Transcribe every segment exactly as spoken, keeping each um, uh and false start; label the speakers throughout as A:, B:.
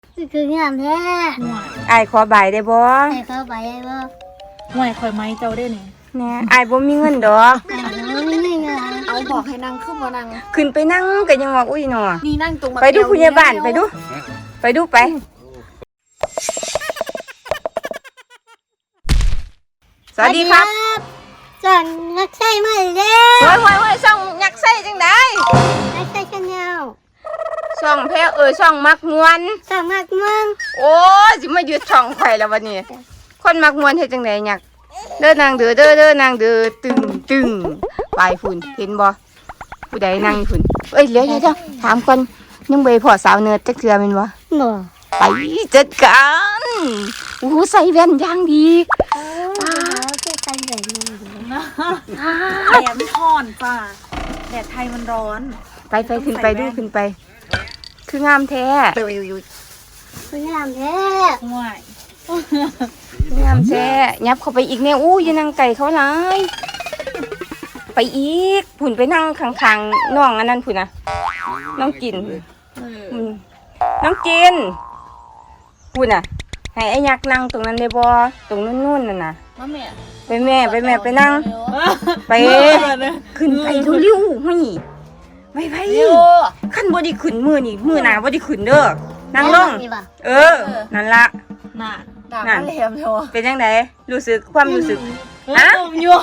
A: คืองามแท้
B: ห่วย
C: อายขอใบได้บ่
A: ให้เขาไปได้บ่
B: ห่วยข่อยไม้เจ้าได้นี่
C: แน่อายบ่มีเงินดอก
A: ไม่ไม่เงิน
D: เอาบอกให้นั่งขึ้นมานั่ง
C: ขึ้นไปนั่งก็ยังว่าอุ้ยหนอ
D: นี่นั่งตรง
C: ไปดูผู้ใหญ่บ้านไปดู ไปดูไปสวัสดีครับ
A: ส่วนนักใช้มาแล้ว
C: โอ้ยโอ้ยโอ้ยช่องยักษ์ไส้จังได๋
A: นักใช้ชาแนล
C: ช่องแพ้เออช่องมักมวน
A: สามารถมึง
C: โอ้ยสิมาหยุดช่องข่อยแล้ววันนี้คนมักมวนเฮ็ดจังได๋ยักษ์เด้อนางเด้อเด้อเด้อนางเด้อตึงตึงปลายฝุ่นเห็นบ่ผู้ใดนั่งฝุ่นเอ้ยเดี๋ยวเดี๋ยวถามก่อนยังบ่พอสาวเนิร์ดจักเทื่อแม่นบ่
A: บ่
C: ไปจัดการโอ้โหใส่แว่นอย่างดี
A: เออคือใส่แบบนี้
B: แดดมันร้อนจ้าแดดไทยมันร้อน
C: ไปไปขึ้นไปดูขึ้นไป คืองามแท้
A: คืองามแท้
B: ห่วย
C: งามแท้ยับเข้าไปอีกแน่อู้ยนั่งไก่เขาหลายไปอีกผุ่นไปนั่งข้างๆน้องอันนั้นผุ่นนะน้องกินอืมน้องกินผุ่นน่ะให้ไอ้ยักษ์นั่งตรงนั้นได้บ่ตรงนู้นๆนั่นน่ะ
D: มาแม่
C: ไปแม่ไปแม่ไปนั่ง ไปขึ้นไปเร็วๆห้ยไปไปขั้นบ่ได้ขึ้นมือนี่มือหนาบ่ได้ขึ้นเด้อนั่งลงเออนั่นละ
B: น่ะ
D: ด่าแหลมเถอะ
C: เป็นจังไดรู้สึกความรู้สึก
B: ฮะนมยัวน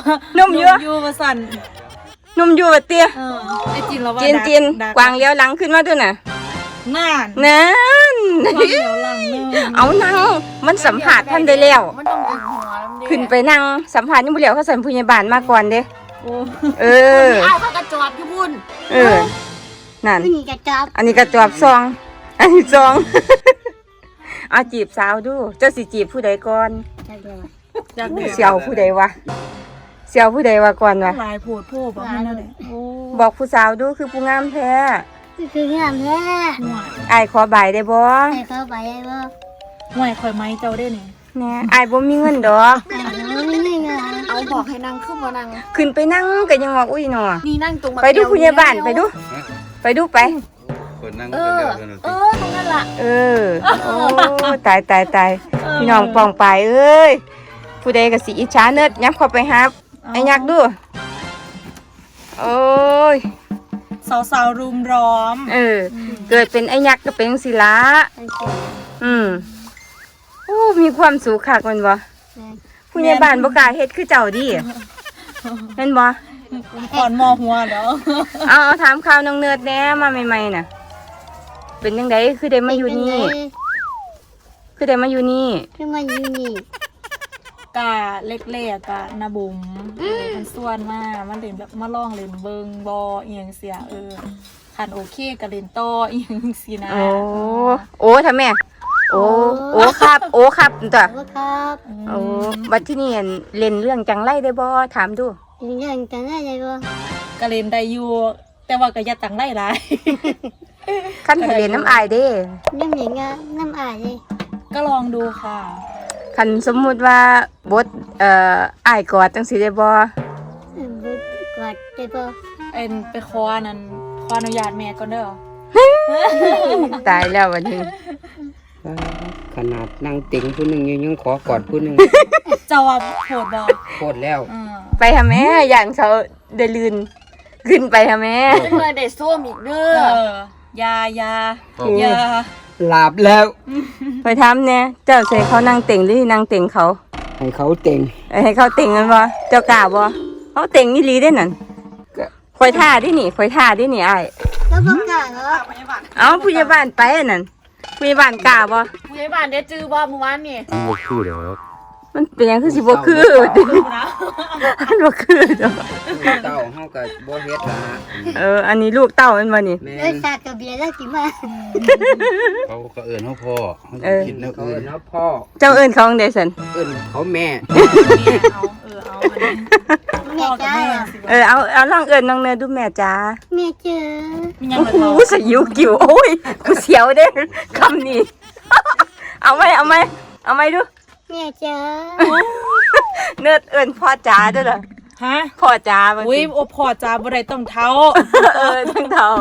C: มยั่ว
B: ยัวมาสั่น
C: นมยั่วเตี้ย
B: เออไอ้จินเราว่า
C: จีนจีนกวางเลี้ยวหลังขึ้นมาด้วยน่ะ
B: น่าน
C: นั่น
B: กวางเหลียวหลังเนึง
C: เอานั่งมันสัมผัสท่านได้แล้ว
D: มันต้องเป็นหัวน้ำเด็ก
C: ขึ้นไปนั่งสัมผัสยังบ่แล้วเขาสั่นผู้ใหญ่บ้านมาก่อนเด้
B: โอ้
C: เออ
D: เอาข้ากระจอดพี่บุญ
C: เออนั่น
A: ผู้หญิงกระจับ
C: อันนี้กระจอบซอง อันนี้ซอง เอาจีบสาวดู เจ้าสิจีบผู้ใดก่อน
A: จับเลย
B: จากเด็ก
C: เสี่ยวผู้ใดวะเสี่ยวผู้ใดวะก่อนวะ
B: หลายโผดโผล่บอกให้นั่นแหละโอ้
C: บอกผู้สาวดูคือผู้งามแท้
A: คืองามแท้
B: ห่วย
C: อายขอใบได้บ่
A: ให้เขาไปได้บ่
B: ห่วยข่อยไม้เจ้าได้นี่
C: แหน่อายบ่มีเงินดอก
A: ไม่ไม่เงิน
D: เอาบอกให้นั่งขึ้นมานั่ง
C: ขึ้นไปนั่งก็ยังว่าอุ้ยหนอ
D: นี่นั่งตรง
C: ไปดูผู้ใหญ่บ้านไปดู ไปดูไป
E: คนนั่ง
D: เอ
E: คน
D: อ
E: เดียวกันเลย
D: เออตรงนั้นล่ะ
C: เออ โอ้ตายตายตายพี่น้องปองไปเอ้ย ผู้ใดก็สิอิจฉาเนิดยับเข้าไปฮับไอ้ยักษ์ดู โอ้ย
B: สาวๆรุมร้อม
C: เออ เกิดเป็นไอ้ยักษ์ก็เป็นศิละอืมโอ้ มีความสุขคักแมันบ่ผู้ใหญ่บ้านบ่กล้าเฮ็ดคือเจ้าดิเห็นบ่
B: ก่อนมอหัวเดี๋ยว
C: เอาเอาถามข่าวน้องเนิร์ดแหน่มาใหม่ๆน่ะ เป็นจังไดคือได้มาอยู่นี่ คือได้มาอยู่นี่
A: คือมาอยู่นี่
B: กาเล็กๆกะนาบุ๋มมันส่วนมากมันเล่นแบบมาล่องเล่นเบิงบอเอียงเสียเออขันโอเคกับเล่นต่อเอียงสีนะ
C: โอ้ โอ้ทำแม่ โอ้ โอ้ครับ โอ้ครับตัว
A: ขอบครับ
C: โอ้บัดที่นี่เล่นเรื่องจังไรได้บ่ถามดู
A: ยังจังได้เลยบ่
B: กะเล่นได้อยู่แต่ว่าก็อย่าตั้งได้หลาย
C: ขั้นให้เล่นน้ำอายเด้
A: น้ำหญิงอะน้ำอายเลย
B: ก็ลองดูค่ะ
C: คันสมมุติว่าบทเอ่ออายกอดจังสิได้บ่
A: บุดกอดได้บ่
B: เอ็นไปขอนั่นขออนุญาตแม่ก่อนเด้อ
C: ตายแล้ววันนี้
F: ขนาดนั่งติ่งผู้หนึ่งยังยังขอกอดผู้หนึ่ง
B: เจ้าว่าโหดบ่
F: โคตรแล้ว
B: อืม
C: ไปหาแม่ย่านเขาได้ลืนขึ้นไปหาแม่
D: เป็นเมื่อเด็กส้วมอีกเด้
B: เอ
D: อ
B: อยาอยาอยา
F: หลับแล้ว
C: ไปถามแน่เจ้าใส่เขานั่งเต็งหรือนั่งเต็งเขา
F: ให้เขาเต่ง
C: เอ้ยให้เขาเต็งกันบ่เจ้ากล้าบ่เขาเต็งอีหลีได้นั่นคอยท่าดิหนิคอยท่าดิหนิอ้าย
A: แล้วบ่กล้าเหรอ
C: เอ้าผู้ใหญ่บ้านไปอันนั่นผู้ใหญ่บ้านกล้าบ่
D: ผู้ใหญ่บ้านได้จื้อบ่เมื่อวานนี่
E: มันบ่คือเดี๋ยว
C: มันเป็นหยังคือสิบ่คือมันบ่คือดอก
F: เต้าเฮาก็บ่เฮ็ดละ
C: เอออันนี้ลูกเต้ามันบ่นี่
F: แม่
A: เอ้ยสาดกับเบียร์แล้วสิมา
E: เขาก็เอิ้นเขาพ่อเขา
C: เออ
E: คิดแนว
F: เขา
E: อื่น
F: เนาะพ่อ
C: เจ้าเอิ้นเขาจั่งใดซั่น
F: เอิ้นเขาแม่
B: แม่เอาเออเอาอันนี้
A: แม่
B: พ่อกับ
A: จ้า
B: แม่สิ
C: เออเอาเอาลองเอิ้นน้องเนยดูแม่จ๋า
A: แม่เจอ
B: มียัง
C: โอ้
B: มา
C: โห
B: เท่า
C: สยิวกิ่วโอ้ยกูเสียวเด้คำนี้ เอาไหมเอาไหมเอาไหมดู
A: แม่เจอ
C: เนิร์ดเอิ้นพ่อจ๋าเด้อล่ะ
B: ฮะ
C: พ่อจ๋าบาง
B: อุ้ย
C: ที
B: โอพอจ้าบ่ได้ต้องเท้า
C: เออทั้งเท่า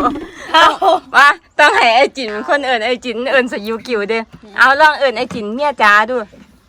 C: ว่าต้องให้ไอ้จินเป็นคนเอิญไอ้จินเอิญสยิวกิวเด้อเอาลองเอิญไอ้จินเมียจ๋าดู